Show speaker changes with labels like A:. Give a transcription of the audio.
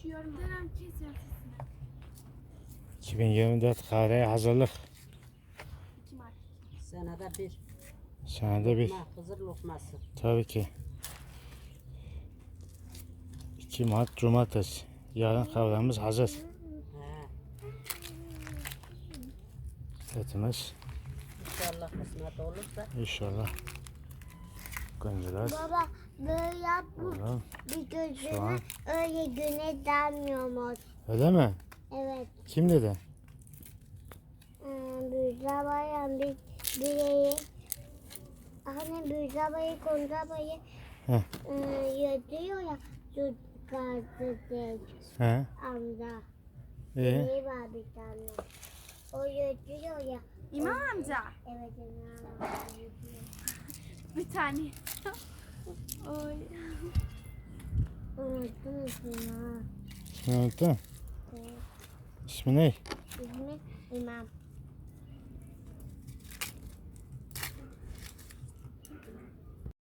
A: Üşüyorum. Dönem kesiyorum sesini.
B: 2024 kahveye hazırlık.
A: 2 Mart.
C: Senede bir.
B: Senede bir.
C: Lokma, Hızır lokması.
B: Tabii ki. 2 Mart Cumartesi. Yarın kahvemiz hazır.
C: He.
B: Etimiz
C: İnşallah kısmet olursa.
B: inşallah. Gönceler.
D: Baba böyle yapma.
B: Oğlum,
D: Bir
B: Soğan.
D: gözüne öyle güne dalmıyormuş.
B: öyle mi?
D: Evet.
B: Kim dedi?
D: Büyüzabayan bir bireyi hani Büyüzabayı Koncabayı
B: Heh.
D: yatıyor ya şu gazeteci
B: He.
D: amca.
B: İyi.
D: Bireyi var bir tane. O yatıyor ya.
A: İmam amca.
D: Evet İmam.
A: Bir tane. Oy.
D: Unuttum ismini ha.
B: İsmini unuttun.
D: Evet.
B: İsmi ne?
D: İsmi İmam.